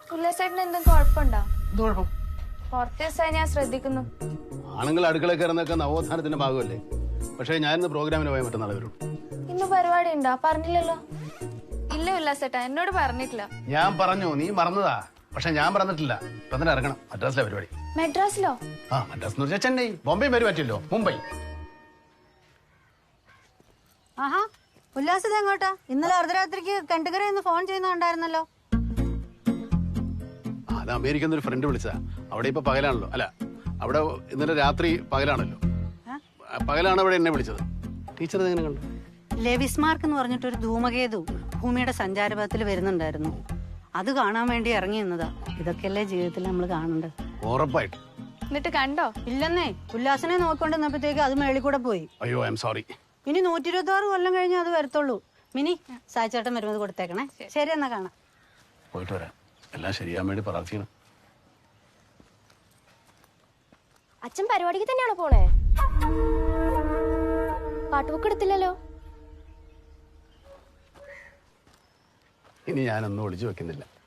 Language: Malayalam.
ഉല്ലാസേട്ടന് എന്തും കുഴപ്പമുണ്ടോ? എന്ത് കുഴപ്പം? കുറച്ച് ദിവസമായി ഞാൻ ശ്രദ്ധിക്കുന്നു. ആണുങ്ങൾ അടുക്കളയിൽ കയറുന്നൊക്കെ നവോത്ഥാനത്തിന്റെ ഭാഗമല്ലേ? പക്ഷേ ഞാനിന്ന് പ്രോഗ്രാമിന് പോയ മറ്റന്നാൾ വരും. ഇന്ന് പരിപാടി ഉണ്ടോ? പറഞ്ഞില്ലല്ലോ. ഇല്ല ഉല്ലാസേട്ടാ, എന്നോട് പറഞ്ഞിട്ടില്ല. ഞാൻ പറഞ്ഞു, നീ മറന്നതാ. പക്ഷെ ഞാൻ പറഞ്ഞിട്ടില്ല. ഇപ്പൊ തന്നെ ഇറങ്ങണം. മദ്രാസിലെ പരിപാടി. മെഡ്രാസിലോ? ആ, മദ്രാസ് എന്ന് വെച്ചാൽ ചെന്നൈ. ബോംബെ വരും പറ്റില്ലോ, മുംബൈ. ആഹാ, ഉല്ലാസത എങ്ങോട്ടാ? ഇന്നലെ അർദ്ധരാത്രിക്ക് കണ്ടുകരയെന്ന് ഫോൺ ചെയ്യുന്നുണ്ടായിരുന്നല്ലോ. അത് അമേരിക്കൻ ഒരു ഫ്രണ്ട് വിളിച്ചതാ. അവിടെ ഇപ്പൊ പകലാണല്ലോ. അല്ല, അവിടെ ഇന്നലെ രാത്രി പകലാണല്ലോ. പകലാണ് അവിടെ എന്നെ വിളിച്ചത്. ടീച്ചർ എങ്ങനെ കണ്ടു? ലെവിസ്മാർക്ക് എന്ന് പറഞ്ഞിട്ടൊരു ധൂമകേതു ഭൂമിയുടെ സഞ്ചാരപഥത്തിൽ വരുന്നുണ്ടായിരുന്നു. അത് കാണാൻ വേണ്ടി ഇറങ്ങി നിന്നതാ. ഇതൊക്കെയല്ലേ ജീവിതത്തിൽ നമ്മൾ കാണേണ്ടത്. ഉറപ്പായിട്ടും. എന്നിട്ട് കണ്ടോ? ഇല്ലെന്നേ, ഉല്ലാസനെ നോക്കിക്കൊണ്ടിരുന്നപ്പോഴത്തേക്ക് അത് മേളിൽ കൂടെ പോയി. അയ്യോ, ഐ എം സോറി. ഇനി 126 കൊല്ലം കഴിഞ്ഞ് അത് വരത്തുള്ളൂ. മിനി, സായിച്ചേട്ടൻ വരുന്നത് കൊടുത്തേക്കണേ. ശരി, എന്നാ കാണാം. പോയിട്ട് വരാം. എല്ലാം ശരിയാൻ വേണ്ടി പ്രാർത്ഥിക്കണം. അച്ഛൻ പരിപാടിക്ക് തന്നെയാണോ പോണേ? പാട്ടുബുക്ക് എടുത്തില്ലല്ലോ. ഇനി ഞാനൊന്നും ഒളിച്ചു വെക്കുന്നില്ല.